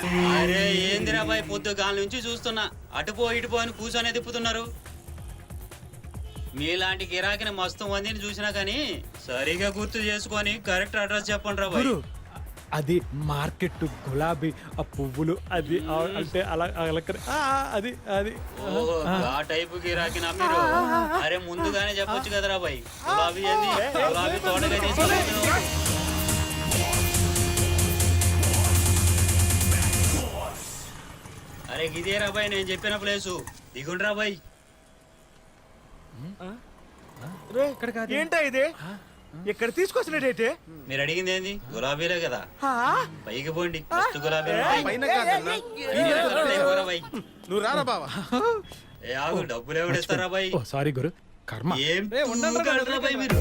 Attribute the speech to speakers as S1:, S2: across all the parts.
S1: అరే ఏందిరా బాయ్, పొద్దుగాల నుంచి చూస్తున్నా అటుపో ఇటుపో అని కూర్చొనే తిప్పుతున్నారు. మీలాంటి గిరాకిని మస్తు మందిని చూసినా కానీ సరిగా గుర్తు చేసుకొని కరెక్ట్ అడ్రస్ చెప్పండి రా బాయ్.
S2: అది మార్కెట్ గులాబీ ఆ పువ్వులు అది అంటే అలా అది అది
S1: ఓహో ఆ టైపు గిరాకినా మీరు? అరే ముందుగానే చెప్పొచ్చు కదరా బాయ్. గులాబీ ఏంది, గులాబీ తోటగా తీసుకెళ్ళలేదు. అరే గిదే రా బాయ్ నేను చెప్పిన ప్లేసు, దిగుండ్రా బాయ్.
S3: ఏంటా ఇది ఇక్కడ తీసుకొచ్చినట్టయితే?
S1: మీరు అడిగింది ఏంది? గులాబీలే కదా, పైకి పోండి. ఫస్ట్ గులాబీ
S4: నువ్వు రారా బావా.
S1: ఏ ఆగు, డబ్బులు ఎవడిస్తారా బాయ్?
S2: సారీ గురు, కర్మ.
S1: ఏం తూగాడురా బాయ్ మీరు?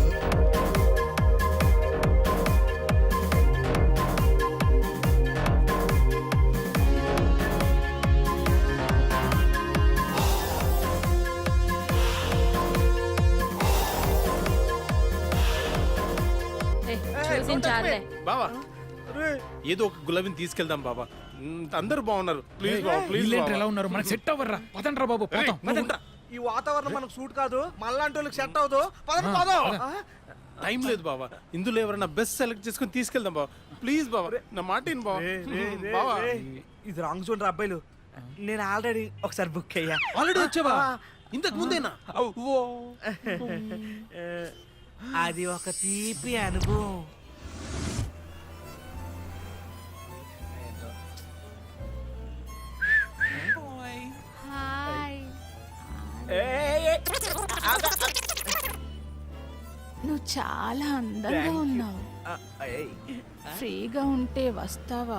S4: బావా ఏదో ఒక గులాబీని తీసుకెళ్దాం బాబా. అందరూ బాగున్నారు. ప్లీజ్ బాబా, ప్లీజ్.
S2: ఎలా ఉన్నారు? మనకి సెట్ అవ్వర్రా, పదండ్రా బాబు.
S3: ఈ వాతావరణం మనకు సూట్ కాదు, మళ్ళాంటి వాళ్ళకి సెట్ అవ్వదు.
S4: టైం లేదు బాబా, ఇందులో ఎవరైనా బెస్ట్ సెలెక్ట్ చేసుకుని తీసుకెళ్దాం బాబా. ప్లీజ్ బాబా, నా మాట విను బాబా.
S3: ఇది రాంగ్ చూడండి అబ్బాయిలు, నేను ఆల్రెడీ ఒకసారి బుక్ అయ్యా.
S4: ఆల్రెడీ వచ్చావా? ఇంతకు ముందేనా?
S3: అది ఒక తీపి అనుభవం.
S5: నువ్వు చాలా అందంగా ఉన్నావు. ఫ్రీగా ఉంటే వస్తావా?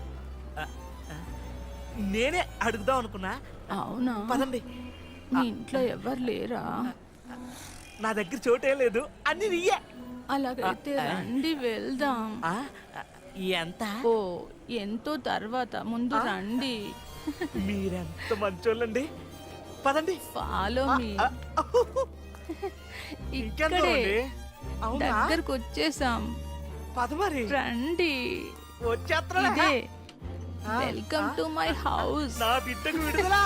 S3: నేనే అడుగుదాం అనుకున్నా.
S5: అవునా?
S3: పదండి.
S5: మీ ఇంట్లో ఎవరు లేరా?
S3: నా దగ్గర చోటే లేదు, అన్ని నీయే.
S5: అలాగైతే రండి వెళ్దాం.
S3: ఎంత?
S5: ఓ ఎంతో తర్వాత, ముందు రండి.
S3: మీరెంత మంచోళ్ళండి. పదండి.
S5: Follow me. ఇక్కడే దగ్గరకు వచ్చేసాం.
S3: పదమరి
S5: రండి.
S3: వచ్చేస్తా.
S5: Welcome to my house.
S3: నా బిడ్డకు విడుదల.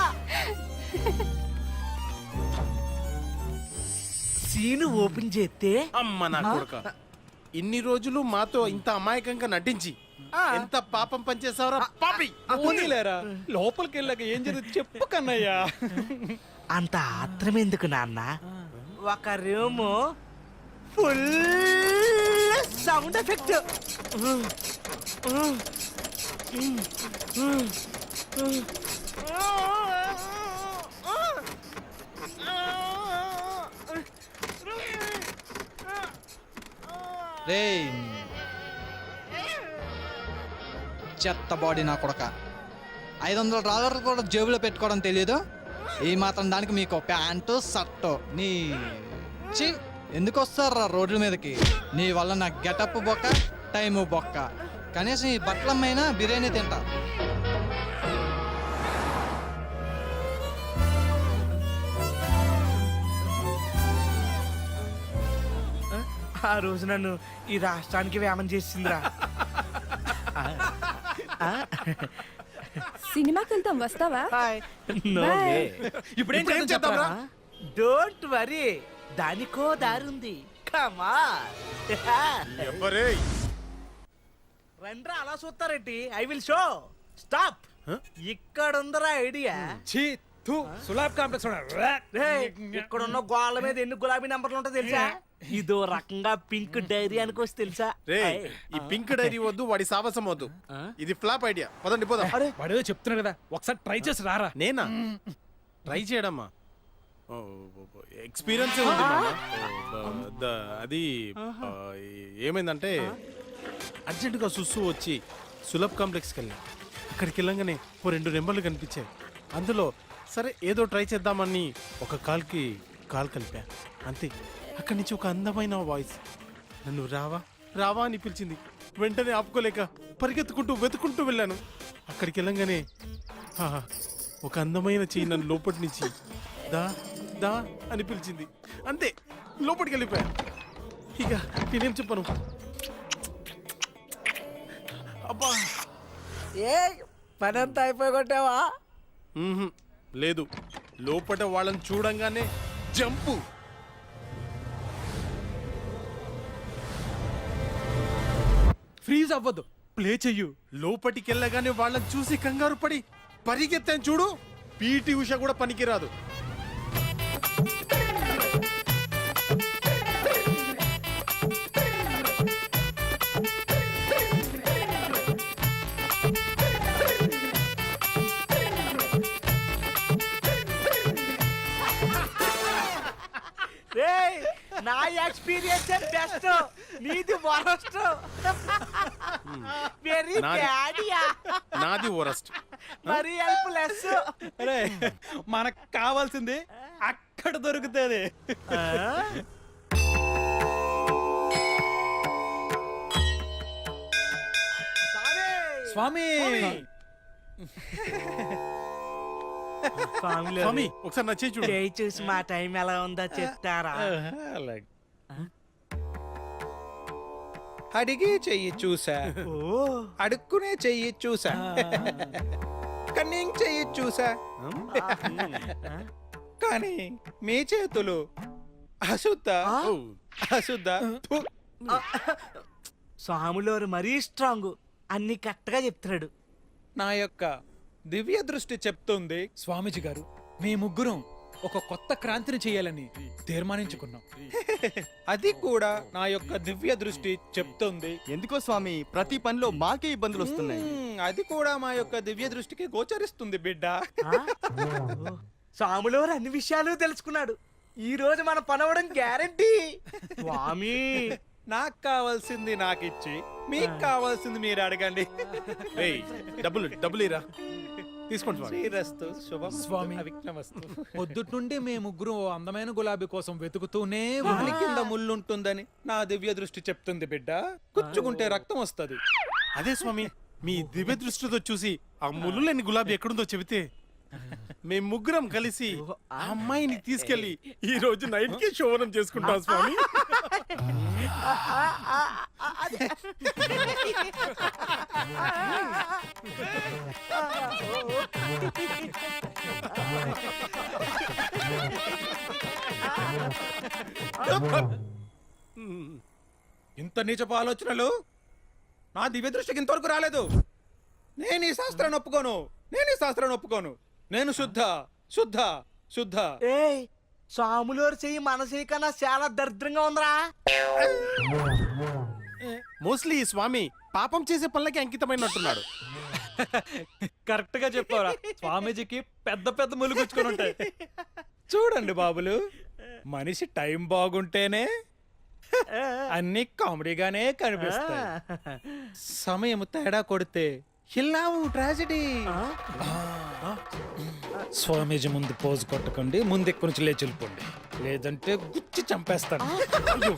S3: సీను ఓపెన్ చేస్తే
S4: అమ్మ నా కొడుక, ఇన్ని రోజులు మాతో ఇంత అమాయకంగా నటించి ఎంత పాపం పనిచేసావరా పాపి.
S2: పోనీలేరా, లోపలికి వెళ్ళాక ఏం జరుగుతుంది చెప్పు కన్నయ్యా.
S3: అంత ఆత్రం ఎందుకు నాన్న? ఒక రూము ఫుల్ సౌండ్ ఎఫెక్ట్.
S6: చెత్త బాడీ నా కొడక. $500 కూడా జేబులో పెట్టుకోవడం తెలియదు. ఈ మాత్రం దానికి మీకు ప్యాంటు షర్టు నీ ఎందుకు వస్తారా రోడ్ల మీదకి? నీ వల్ల నా గెటప్ బొక్క, టైము బొక్క. కనీసం ఈ బట్టలమ్మైనా బిర్యానీ తింటా.
S3: ఆ రోజు నన్ను ఈ రాష్ట్రానికి వేమం చేసిందిరా.
S5: సినిమాకి వెళ్తాం, వస్తావా?
S2: ఇప్పుడు ఏం చేద్దాంరా?
S3: డోంట్ వరీ, దానికో దారుంది. కమా రండ్రా, అలా చూస్తారేంటి? I will show. స్టాప్. ఇక్కడ ఉందరా ఐడియా.
S2: సులాబ్ కాంప్లెక్స్
S3: ఇక్కడ ఉన్న గోళ్ళ మీద ఎన్ని గులాబీ నంబర్లు ఉంటాయి తెలుసా? ఇదో రకంగా పింక్ డైరీ అనుకోవచ్చు తెలుసా?
S4: ఈ పింక్ డైరీ వద్దు, వాడి సాహసం వద్దు. ఇది ఫ్లాప్ ఐడియా. పదండి పోదాం.
S2: వాడేదో చెప్తున్నాడు కదా, ఒకసారి ట్రై చేసి రారా.
S4: నేనా ట్రై చేయడమ్మా? ఎక్స్పీరియన్స్ ఉంది అది. ఏమైందంటే అర్జెంటుగా సుస్సు వచ్చి సులభ్ కాంప్లెక్స్కి వెళ్ళాం. అక్కడికి వెళ్ళంగానే 2 నెంబర్లు కనిపించాయి. అందులో సరే ఏదో ట్రై చేద్దామని ఒక కాల్కి కాల్ కలిపా. అంతే, అక్కడి నుంచి ఒక అందమైన వాయిస్ నన్ను రావా రావా అని పిలిచింది. వెంటనే ఆపుకోలేక పరిగెత్తుకుంటూ వెతుకుంటూ వెళ్ళాను. అక్కడికి వెళ్ళంగానే ఒక అందమైన చెయ్యి నన్ను లోపటి నుంచి దా దా అని పిలిచింది. అంతే, లోపలికి వెళ్ళిపోయా. ఇక నేనేం చెప్పను. అబ్బా,
S3: ఏ పని అంతా అయిపోయి కొట్టావా?
S4: మ్మ్హ్. లేదు, లోపట వాళ్ళని చూడంగానే జంపు.
S2: ఫ్రీజ్ అవ్వద్దు, ప్లే చెయ్యు.
S4: లోపటికెళ్ళగానే వాళ్ళని చూసి కంగారు పడి పరిగెత్తాను చూడు, పీటీ ఉష కూడా పనికిరాదు.
S3: రేయ్, నా ఎక్స్పీరియన్స్ బెస్ట్, నీది వరస్ట్. వెరీ
S4: నాది-
S3: బ్యాడియా,
S4: నాది వరస్ట్.
S3: మరి హెల్ప్లెస్.
S2: అరే మనకు కావాల్సింది అక్కడ దొరుకుతుంది. స్వామి
S4: స్వామి ఒకసారి నచ్చే చూడు.
S3: చేయి చూసి మా టైం ఎలా ఉందో చెప్తారా?
S2: అలాగే.
S7: అడిగి చెయ్యి చూసా,
S3: ఓ,
S7: అడుక్కునే చెయ్యి చూసా, కన్నింగ్ చెయ్యి చూసా, కానీ మీ చేతులు అశుద్ధ
S4: ఓ,
S7: అశుద్ధ. థు.
S3: స్వాములోరు మరీ స్ట్రాంగ్, అన్ని కరెక్ట్గా చెప్తున్నాడు.
S7: నా యొక్క దివ్య దృష్టి చెప్తుంది
S2: స్వామీజీ గారు, మీ ముగ్గురం ఒక కొత్త క్రాంతిని చేయాలని తీర్మానించుకున్నాం.
S7: అది కూడా నా యొక్క దివ్య దృష్టి చెప్తుంది.
S8: ఎందుకో స్వామి ప్రతి పనిలో మాకే ఇబ్బందులు వస్తున్నాయి.
S7: అది కూడా మా యొక్క దివ్య దృష్టికి గోచరిస్తుంది బిడ్డ.
S3: స్వాములోరు అన్ని విషయాలు తెలుసుకున్నాడు. ఈ రోజు మన పనవడం గ్యారంటీ. స్వామి,
S7: నాకు కావాల్సింది నాకిచ్చి మీకు కావాల్సింది మీరు అడగండి.
S4: రేయ్, డబ్బులు ఇరా, తీసుకోండి స్వామి.
S7: శ్రీరస్తు శుభం
S2: స్వామి.
S7: అవిఘ్నమస్తు.
S2: పొద్దుటి నుండి మేము ముగ్గురు ఓ అందమైన గులాబీ కోసం వెతుకుతూనే
S7: వాని కింద ముళ్ళుంటుందని నా దివ్య దృష్టి చెప్తుంది బిడ్డ. కుచ్చుకుంటే రక్తం వస్తది.
S4: అదే స్వామి, మీ దివ్య దృష్టితో చూసి ఆ ముళ్ళు లేని గులాబీ ఎక్కడుందో చెబితే మేము ముగ్గురం కలిసి ఆ అమ్మాయిని తీసుకెళ్లి ఈ రోజు నైట్ కి శోభనం చేసుకుంటాం స్వామి.
S7: ఇంత నీచపు ఆలోచనలు నా దివ్య దృష్టికి ఇంతవరకు రాలేదు. నేను ఈ శాస్త్రాన్ని ఒప్పుకోను, నేను శుద్ధ శుద్ధ శుద్ధ.
S3: ఏయ్, స్వాములోరు చెయ్యి మన చెయ్యి కన్నా చాలా దరిద్రంగా ఉందిరా.
S4: మోస్ట్లీ ఈ స్వామి పాపం చేసే పనులకి అంకితమైనట్టున్నాడు.
S2: కరెక్ట్ గా చెప్పారా? స్వామీజీకి పెద్ద పెద్ద ముళ్ళు గుచ్చుకొని ఉంటాయి.
S7: చూడండి బాబులు, మనిషి టైం బాగుంటేనే అన్ని కామెడీగానే కనిపిస్తాయి. సమయం తేడా కొడితే ఇల్లావు ట్రాజెడీ. స్వామీజీ ముందు పోజు కొట్టకండి, ముందు ఎక్కడి నుంచి లేచి వెళ్ళిపోండి, లేదంటే గుచ్చి చంపేస్తాను. అయ్యో.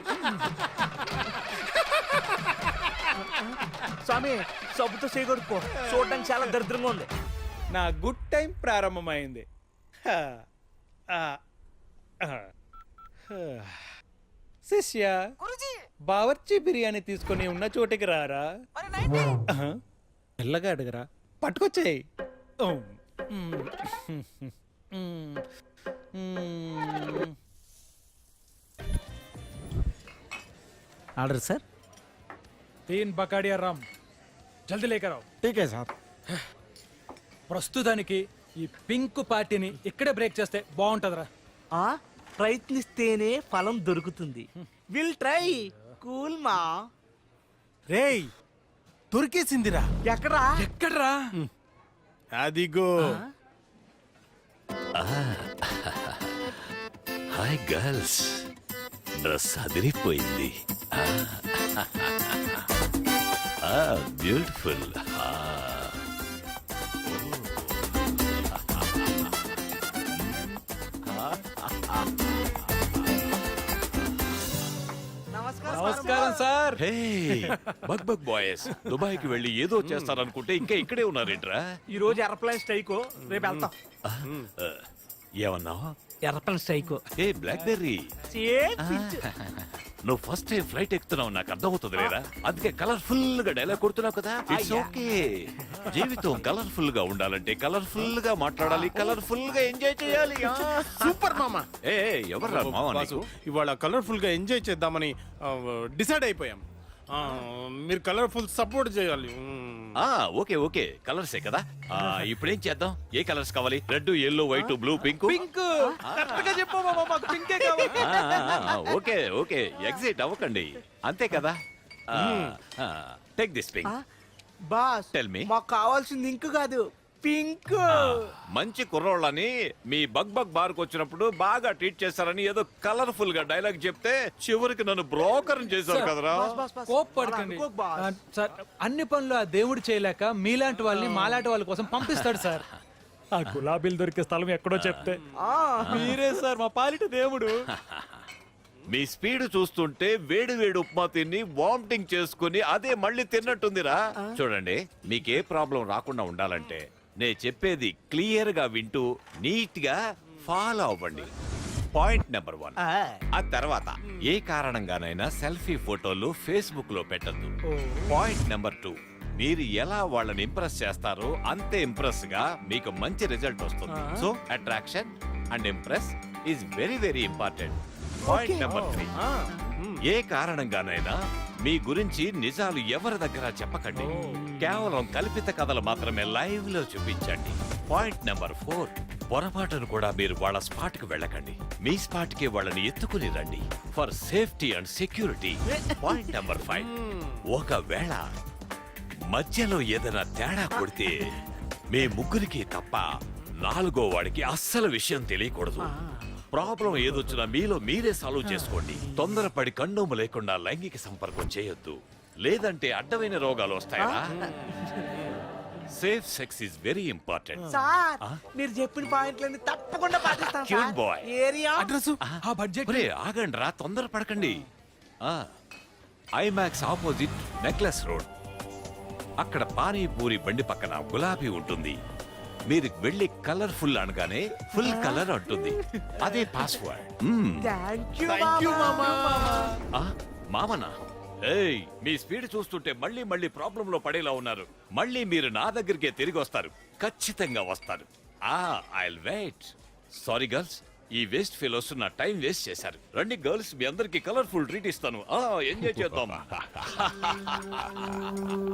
S3: స్వామి, సబ్బుతో చేయగొడుకో, చూడడానికి చాలా దరిద్రంగా ఉంది.
S7: నా గుడ్ టైం ప్రారంభమైంది. హా. ఆ. ఆ. హా. శిష్య, బావర్చి బిర్యానీ తీసుకొని ఉన్న చోటికి రారా. ఆహా. మెల్లగా అడగరా, పట్టుకొచ్చాయి.
S3: Order sir.
S2: 3 బకాడియా రామ్, జల్దీ లేకర్ आओ.
S8: ఠీకే సార్.
S2: ప్రస్తుతానికి ఈ పింక్ పార్టీని ఇక్కడే బ్రేక్ చేస్తే బాగుంటదిరా.
S3: ప్రయత్నిస్తేనే ఫలం దొరుకుతుంది. Will try. కూల్ మా.
S4: రేయ్, దొరికేసిందిరా.
S3: ఎక్కడా?
S2: ఎక్కడ్రా?
S4: అదిగో.
S9: హాయ్ గర్ల్స్, డ్రెస్ అదిరిపోయింది. బ్యూటిఫుల్.
S2: నమస్కారం సార్.
S9: హే బగ్ బగ్ బాయ్స్, దుబాయ్కి వెళ్ళి ఏదో చేస్తారనుకుంటే ఇంకా ఇక్కడే ఉన్నారేంట్రా?
S3: ఈ రోజు ఎయిర్ప్లేన్ స్ట్రైక్, రేపు వెళ్తాం.
S9: ఏమన్నావు?
S3: ఎర్రపల్లి స్ట్రైక్
S9: ఏ బ్లాక్ బెర్రీ నువ్వు ఫస్ట్ టైం ఫ్లైట్ ఎక్కుతున్నావు నాకు అర్థమవుతుంది లేదా అందుకే కలర్ఫుల్ గా డైలాగ్ కొడుతున్నావు కదా ఇట్స్ ఓకే జీవితం కలర్ఫుల్ గా ఉండాలంటే కలర్ఫుల్ గా మాట్లాడాలి కలర్ఫుల్ గా ఎంజాయ్ చేయాలి
S4: సూపర్ మామ
S9: ఏ ఎవర్రా మామ
S4: బాసు,
S9: నీకు?
S4: ఇవాళ కలర్ఫుల్ గా ఎంజాయ్ చేద్దామని డిసైడ్ అయిపోయాం. మీరు కలర్ఫుల్ సపోర్ట్ చేయాలి.
S9: ఆ ఓకే ఓకే కలర్సే కదా ఇప్పుడేం చేద్దాం ఏ కలర్స్ కావాలి red yellow white blue pink
S4: pink correct గా చెప్పు మామ, మాకు పింకే కావాలి.
S9: ఓకే ఓకే ఎగ్జైట్ అవ్వకండి అంతే కదా take this pink
S3: boss
S9: Tell me.
S3: మాకు కావాల్సింది ఇంక్ కాదు పింక్.
S9: మంచి కుర్రోళ్ళని మీ బగ్ బగ్ బార్ కు వచ్చినప్పుడు బాగా ట్రీట్ చేస్తారని ఏదో కలర్ఫుల్ గా డైలాగ్ చెప్తే చివరికి నన్ను బ్రోకర్ చేశారు కదరా
S2: కోప్పడకండి సార్, అన్ని పనులు ఆ దేవుడు చేయలేక మీలాంటి వాళ్ళని మాలాంటి వాళ్ళ కోసం పంపిస్తాడు సార్. ఆ గులాబీలు దొరికే స్థలం ఎక్కడో చెప్తే మీరే సార్ మా పాలిట దేవుడు.
S9: మీ స్పీడ్ చూస్తుంటే వేడి వేడి ఉప్మా తిని వామిటింగ్ చేసుకుని అదే మళ్ళీ తిన్నట్టుందిరా చూడండి మీకే ప్రాబ్లం రాకుండా ఉండాలంటే నేను చెప్పేది క్లియర్ గా వింటూ నీట్ గా ఫాలో అవ్వండి. పాయింట్ నెంబర్ 1 ఆ తర్వాత ఏ కారణంగానైనా సెల్ఫీ ఫోటోలు ఫేస్బుక్ లో పెట్టద్దు. పాయింట్ నెంబర్ 2 మీరు ఎలా వాళ్ళని ఇంప్రెస్ చేస్తారో అంతే ఇంప్రెస్ గా మీకు మంచి రిజల్ట్ వస్తుంది. So attraction and impress is very very important. Point number 3 ఏ కారణంగానైనా మీ గురించి నిజాలు ఎవరి దగ్గర చెప్పకండి. కేవలం కల్పిత కథలు మాత్రమే లైవ్ లో చూపించండి. పాయింట్ నెంబర్ 4 పొరపాటును కూడా మీరు వాళ్ళ స్పాట్ కి వెళ్ళకండి. మీ స్పాట్ కి వాళ్ళని ఎత్తుకుని రండి for safety and security. Point number 5 ఒకవేళ మధ్యలో ఏదైనా తేడా కొడితే మీ ముగ్గురికి తప్ప 4గో వాడికి అస్సలు విషయం తెలియకూడదు. ప్రాబ్లం ఏదొచ్చినా మీలో మీరే సాల్వ్ చేసుకోండి. తొందరపడి కండోము లేకుండా లైంగిక సంపర్కం చేయొద్దు, లేదంటే అడ్డమైన రోగాలు వస్తాయా. Safe sex is very important.
S3: Sir మీరు చెప్పిన పాయింట్లన్నీ తప్పకుండా పాటిస్తాం
S9: Cute boy.
S3: ఏరియా
S4: అడ్రస్
S2: ఆ బడ్జెట్
S9: ఆగండి రా తొందరపడకండి. ఐమాక్స్ ఆపోజిట్ నెక్లెస్ రోడ్ అక్కడ పానీపూరి బండి పక్కన గులాబీ ఉంటుంది. మీరు వెళ్ళి కలర్ఫుల్ అనగానే ఫుల్ కలర్ అంటుంది. అదే పాస్వర్డ్.
S3: థ్యాంక్ యూ
S9: మామనా ఏయ్ మీ స్పీడ్ చూస్తుంటే మళ్ళీ మళ్ళీ ప్రాబ్లం లో పడేలా ఉన్నారు. మళ్ళీ మీరు నా దగ్గరికే తిరిగి వస్తారు, ఖచ్చితంగా వస్తారు. I'll wait. సారీ గర్ల్స్, ఈ వేస్ట్ ఫెలోస్ నా టైం వేస్ట్ చేశారు. రండి గర్ల్స్, మీ అందరికి కలర్ఫుల్ ట్రీట్ ఇస్తాను. ఎంజాయ్ చేద్దాం.